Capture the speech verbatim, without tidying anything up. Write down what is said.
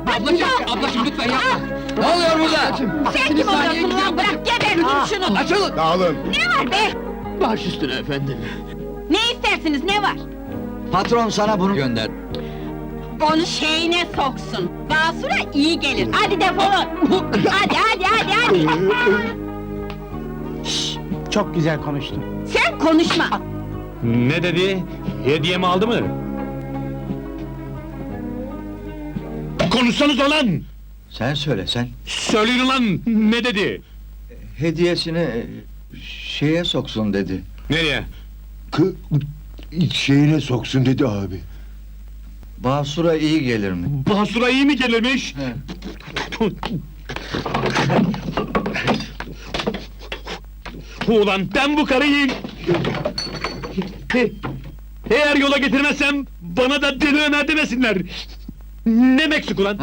Ablacığım, ablacığım lütfen yapma! Ne oluyor burada? Sen kim oluyorsun lan? Bırak gebertin şunu! Açılın! Dağılın! Ne var be? Baş üstüne efendim! Ne istersiniz, ne var? Patron sana bunu gönder. Onu şeyine soksun! Basura iyi gelir, hadi defolun! Hadi, hadi, hadi, hadi! Çok güzel konuştun. Sen konuşma! Ne dedi? Hediyemi aldı mı? Konuşsanız olan! Sen söyle sen. Söyleyin lan! Ne dedi? Hediyesini e, şeye soksun dedi. Nereye? Kı... şeyine soksun dedi abi. Basura iyi gelir mi? Basura iyi mi gelirmiş? He. Ulan ben bu karıyı... Eğer yola getirmezsem bana da deli Ömer demesinler! Ne Meksik ulan?